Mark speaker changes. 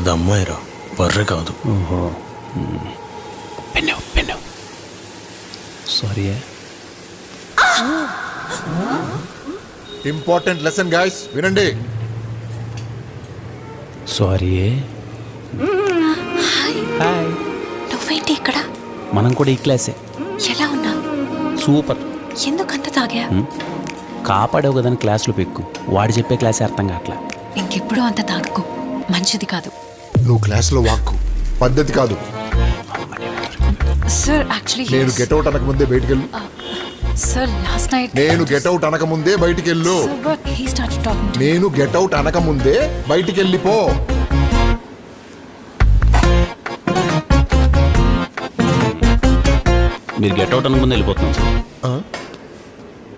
Speaker 1: అది అమ్మాయిరా, బర్రె కాదు.
Speaker 2: ఓహో, pen sorry.
Speaker 3: Important lesson guys, వినండి.
Speaker 2: సారీ. హాయ్.
Speaker 4: నువ్వేంటి ఇక్కడ?
Speaker 2: మనం కూడా ఈ క్లాసే.
Speaker 4: ఎలా ఉన్నా?
Speaker 2: సూపర్.
Speaker 4: ఎందుకంత తాగా?
Speaker 2: కాపాడవు కదని క్లాసులో పెక్కు. వాడు చెప్పే క్లాసే అర్థం కావట్లా.
Speaker 4: ఇంకెప్పుడు అంత తాగకు, మంచిది కాదు.
Speaker 3: నువ్వు క్లాస్లో వాక్కు పద్ధతి కాదు.
Speaker 4: సార్ యాక్చువల్లీ
Speaker 3: నేను గెట్అవుట్ అనకముందే బయటికెళ్ళు.
Speaker 4: సార్ లాస్ట్ నైట్
Speaker 3: నేను గెట్అవుట్ అనకముందే బయటికెళ్ళు.
Speaker 4: హీ స్టార్టెడ్ టాకింగ్ టు
Speaker 3: నేను గెట్అవుట్ అనకముందే బయటికెళ్ళిపో.
Speaker 2: మీరు గెట్ అవుట్ అనుకుంది వెళ్ళిపోతున్నాం సార్.